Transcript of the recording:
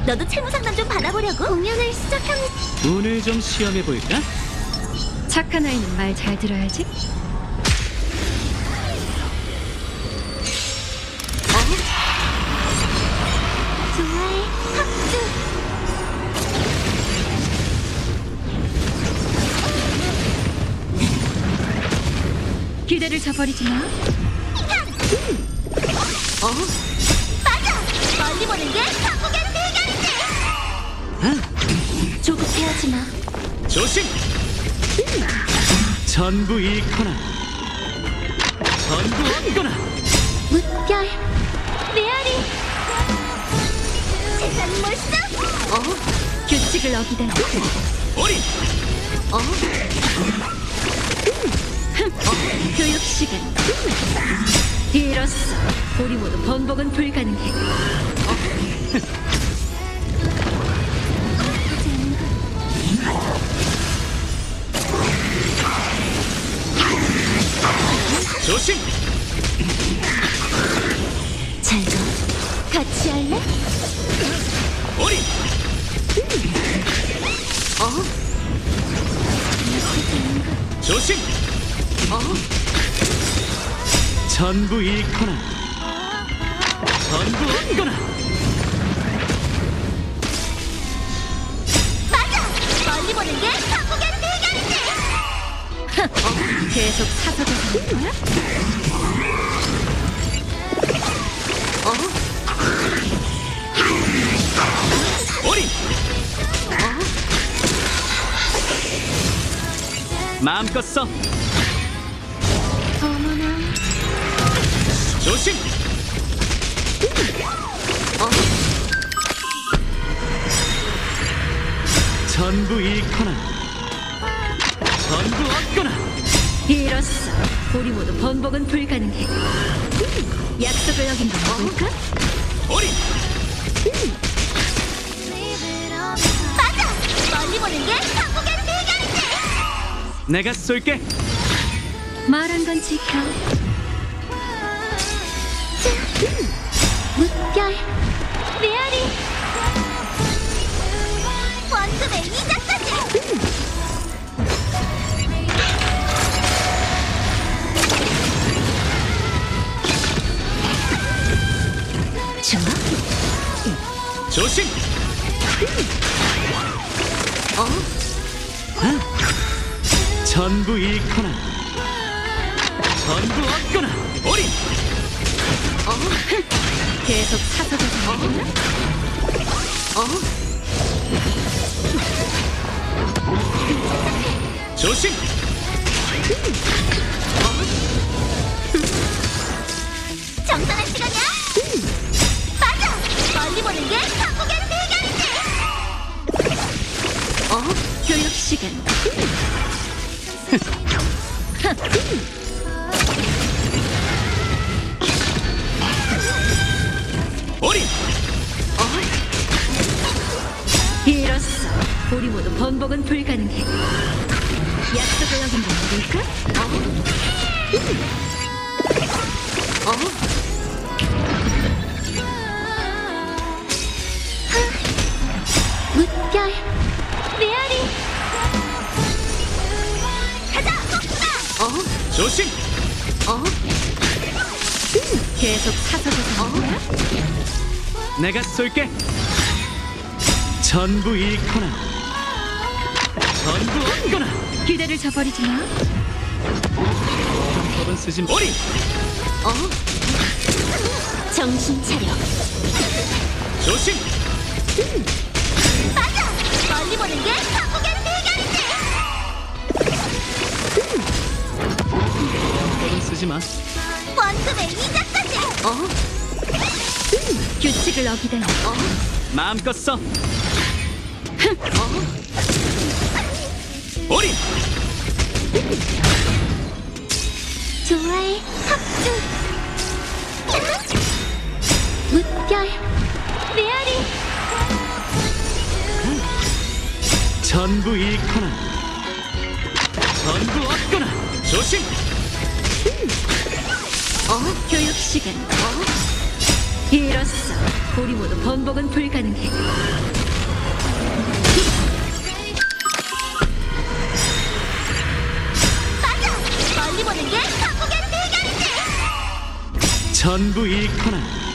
너도 채무 상담 좀 받아보려고? 공연을 시작합니다. 운을 좀 시험해 볼까? 착한 아이는 말 잘 들어야지. 좋아해. 합주. 기대를 저버리지 마. 맞아. 멀리 보는 게 한국의 대결이지. 조급해하지 마. 조심! 전부 잃거나 전부 얻거나. 물결. 메아리. 세상 멋있어. 규칙을 어기다니. 어린! 교육 시간. 이로써 우리 모두 번복은 불가능해. 조심! 잘 가. 같이 할래? 어린! 조심! 전부 잃거나 전부 얻거나. 맞아. 멀리 보는 게 한국의 대결이지. 계속 사서도 하는 거야? 어린! 마음껏 써. 어머나. 조심! 전부 잃거나 전부 얻거나. 이로써 우리 모두 번복은 불가능해. 약속을 어긴 건 뭘까? 어린! 맞아. 멀리 보는 게 한국의 대결이지. 내가 쏠게. 말한 건 지켜. 물결. 메아리. 원투맨 이자까지. 좋아. 조심! 전부 잃거나 전부 얻거나. 어린! 계속 사서도 하는 거야? 조심! 정산할 시간이야. 맞아. 멀리 보는 게 한국의 대결이지. 교육 시간. 어린! 이로써 우리 모두 번복은 불가능해. 약속을 어긴 건 뭘까? 물결. 메아리. 가자. 복수다. 조심! 계속 사서도 하는 거야? 내가 쏠게. 전부 잃거나 전부 얻거나. 기대를 저버리지 마. 법은 쓰지 마. 어린! 정신 차려. 조심! 맞아. 멀리 보는 게 한국의 대결이지. 법은 쓰지 마. 원투맨 이자까지. 규칙을 어기다니. 마음껏 써. 어린! 좋아해. 합주. 물결. 메아리. 전부 잃거나 전부 얻거나. 조심! 교육 시간. 이로써 우리 모두 번복은 불가능해. 맞아! 멀리 보는 게 한국의 대결이지! 전부 잃거나